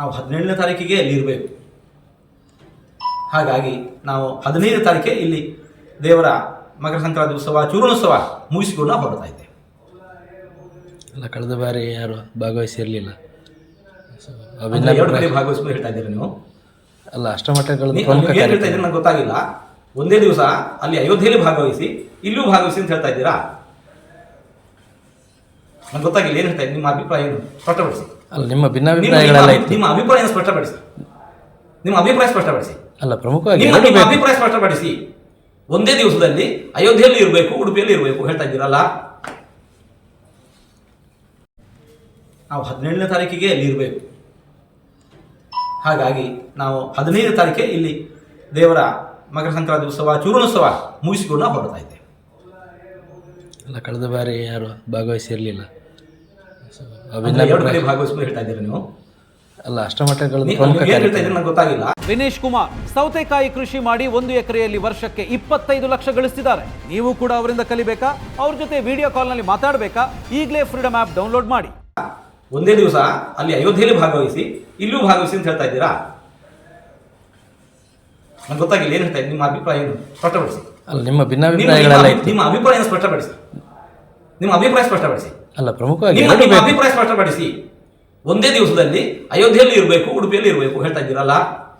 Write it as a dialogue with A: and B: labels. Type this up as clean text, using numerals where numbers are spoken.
A: ನಾವು 17ನೇ ತಾರೀಕಿಗೆ ಅಲ್ಲಿ ಇರಬೇಕು. ಹಾಗಾಗಿ ನಾವು 15ನೇ ತಾರೀಕೆ ಇಲ್ಲಿ ದೇವರ ಮಕರ ಸಂಕ್ರಾಂತಿ ಉತ್ಸವ ಚೂರ್ಣೋತ್ಸವ ಮುಗಿಸಿಕೊಂಡು ಹೊರಡ್ತಾ ಇದ್ದೇವೆ.
B: ಅಲ್ಲ, ಕಳೆದ ಬಾರಿ ಯಾರು ಭಾಗವಹಿಸಿರಲಿಲ್ಲ.
A: 2 ಕಡೆ ಭಾಗವಹಿಸ್ಕೊಂಡು ಹೇಳ್ತಾ ಇದ್ದೀರಾ ನೀವು?
B: ಅಲ್ಲ, ಅಷ್ಟಮಠಗಳು
A: ಹೇಳ್ತಾ ಇದ್ದೀರಿ ನಂಗೆ ಗೊತ್ತಾಗಿಲ್ಲ. ಒಂದೇ ದಿವಸ ಅಲ್ಲಿ ಅಯೋಧ್ಯೆಯಲ್ಲಿ ಭಾಗವಹಿಸಿ ಇಲ್ಲೂ ಭಾಗವಹಿಸಿ ಅಂತ ಹೇಳ್ತಾ ಇದ್ದೀರಾ? ನಂಗೆ ಗೊತ್ತಾಗಿಲ್ಲ, ಏನು ಹೇಳ್ತಾ ಇದ್ದೀನಿ? ನಿಮ್ಮ ಅಭಿಪ್ರಾಯ ಏನು ಸ್ಪಷ್ಟಪಡಿಸಿ.
B: ಅಲ್ಲ, ನಿಮ್ಮ ಭಿನ್ನಾಭಿಪ್ರಾಯಗಳೆಲ್ಲ ಇತ್ತು.
A: ನಿಮ್ಮ ಅಭಿಪ್ರಾಯ ಸ್ಪಷ್ಟಪಡಿಸಿ. ನಿಮ್ಮ ಅಭಿಪ್ರಾಯ ಸ್ಪಷ್ಟಪಡಿಸಿ.
B: ಅಲ್ಲ, ಪ್ರಮುಖವಾಗಿ
A: ನಿಮ್ಮ ಅಭಿಪ್ರಾಯ ಸ್ಪಷ್ಟಪಡಿಸಿ. ಒಂದೇ ದಿವಸದಲ್ಲಿ ಅಯೋಧ್ಯೆಯಲ್ಲಿ ಇರಬೇಕು, ಉಡುಪಿಯಲ್ಲಿ ಇರಬೇಕು ಹೇಳ್ತಾ ಇದ್ದೀರಲ್ಲ? ನಾವು 17ನೇ ತಾರೀಕಿಗೆ ಅಲ್ಲಿ ಇರಬೇಕು. ಹಾಗಾಗಿ ನಾವು 15ನೇ ತಾರೀಕೆ ಇಲ್ಲಿ ದೇವರ ಮಕರ ಸಂಕ್ರಾಂತಿ ಉತ್ಸವ ಚೂರ್ಣೋತ್ಸವ ಮುಗಿಸಿಕೊಂಡು ಹೊರಡ್ತಾ ಇದ್ದೇವೆ.
B: ಅಲ್ಲ, ಕಳೆದ ಬಾರಿ ಯಾರು ಭಾಗವಹಿಸಿರಲಿಲ್ಲ.
A: 2 ಕಡೆ ಭಾಗವಹಿಸ್ಕೊಂಡು ಹೇಳ್ತಾ ಇದ್ದೀರಾ ನೀವು?
B: ಅಲ್ಲ, ಅಷ್ಟಮಠಗಳು
A: ಹೇಳ್ತಾ ಇದ್ದೀರಿ ನಂಗೆ ಗೊತ್ತಾಗಿಲ್ಲ.
C: ವಿನೇಶ್ ಕುಮಾರ್ ಸೌತೆಕಾಯಿ ಕೃಷಿ ಮಾಡಿ 1 ಎಕರೆಯಲ್ಲಿ ವರ್ಷಕ್ಕೆ 25 ಲಕ್ಷ ಗಳಿಸ್ತಿದ್ದಾರೆ. ನೀವು ಕೂಡ ಅವರಿಂದ ಕಲಿಬೇಕಾ? ಅವ್ರ ಜೊತೆ ವಿಡಿಯೋ ಕಾಲ್ನಲ್ಲಿ ಮಾತಾಡಬೇಕಾ? ಈಗಲೇ ಫ್ರೀಡಮ್ ಆ್ಯಪ್ ಡೌನ್ಲೋಡ್ ಮಾಡಿ.
A: ಒಂದೇ ದಿವಸ ಅಲ್ಲಿ ಅಯೋಧ್ಯೆಯಲ್ಲಿ ಭಾಗವಹಿಸಿ ಇಲ್ಲೂ ಭಾಗವಹಿಸಿ ಅಂತ ಹೇಳ್ತಾ ಇದ್ದೀರಾ? ನಂಗೆ ಗೊತ್ತಾಗಿಲ್ಲ, ಏನು ಹೇಳ್ತಾ ಇದ್ದೀನಿ? ನಿಮ್ಮ ಅಭಿಪ್ರಾಯ ಏನು ಸ್ಪಷ್ಟಪಡಿಸಿ.
B: ಅಲ್ಲ, ನಿಮ್ಮ ಭಿನ್ನಾಭಿಪ್ರಾಯಗಳೆಲ್ಲ ಇತ್ತು.
A: ನಿಮ್ಮ ಅಭಿಪ್ರಾಯ ಸ್ಪಷ್ಟಪಡಿಸಿ. ನಿಮ್ಮ ಅಭಿಪ್ರಾಯ ಸ್ಪಷ್ಟಪಡಿಸಿ.
B: ಅಲ್ಲ, ಪ್ರಮುಖವಾಗಿ
A: ನಿಮ್ಮ ಅಭಿಪ್ರಾಯ ಸ್ಪಷ್ಟಪಡಿಸಿ. ಒಂದೇ ದಿವಸದಲ್ಲಿ ಅಯೋಧ್ಯೆಯಲ್ಲಿ ಇರಬೇಕು, ಉಡುಪಿಯಲ್ಲಿ ಇರಬೇಕು ಹೇಳ್ತಾ ಇದ್ದೀರಲ್ಲ?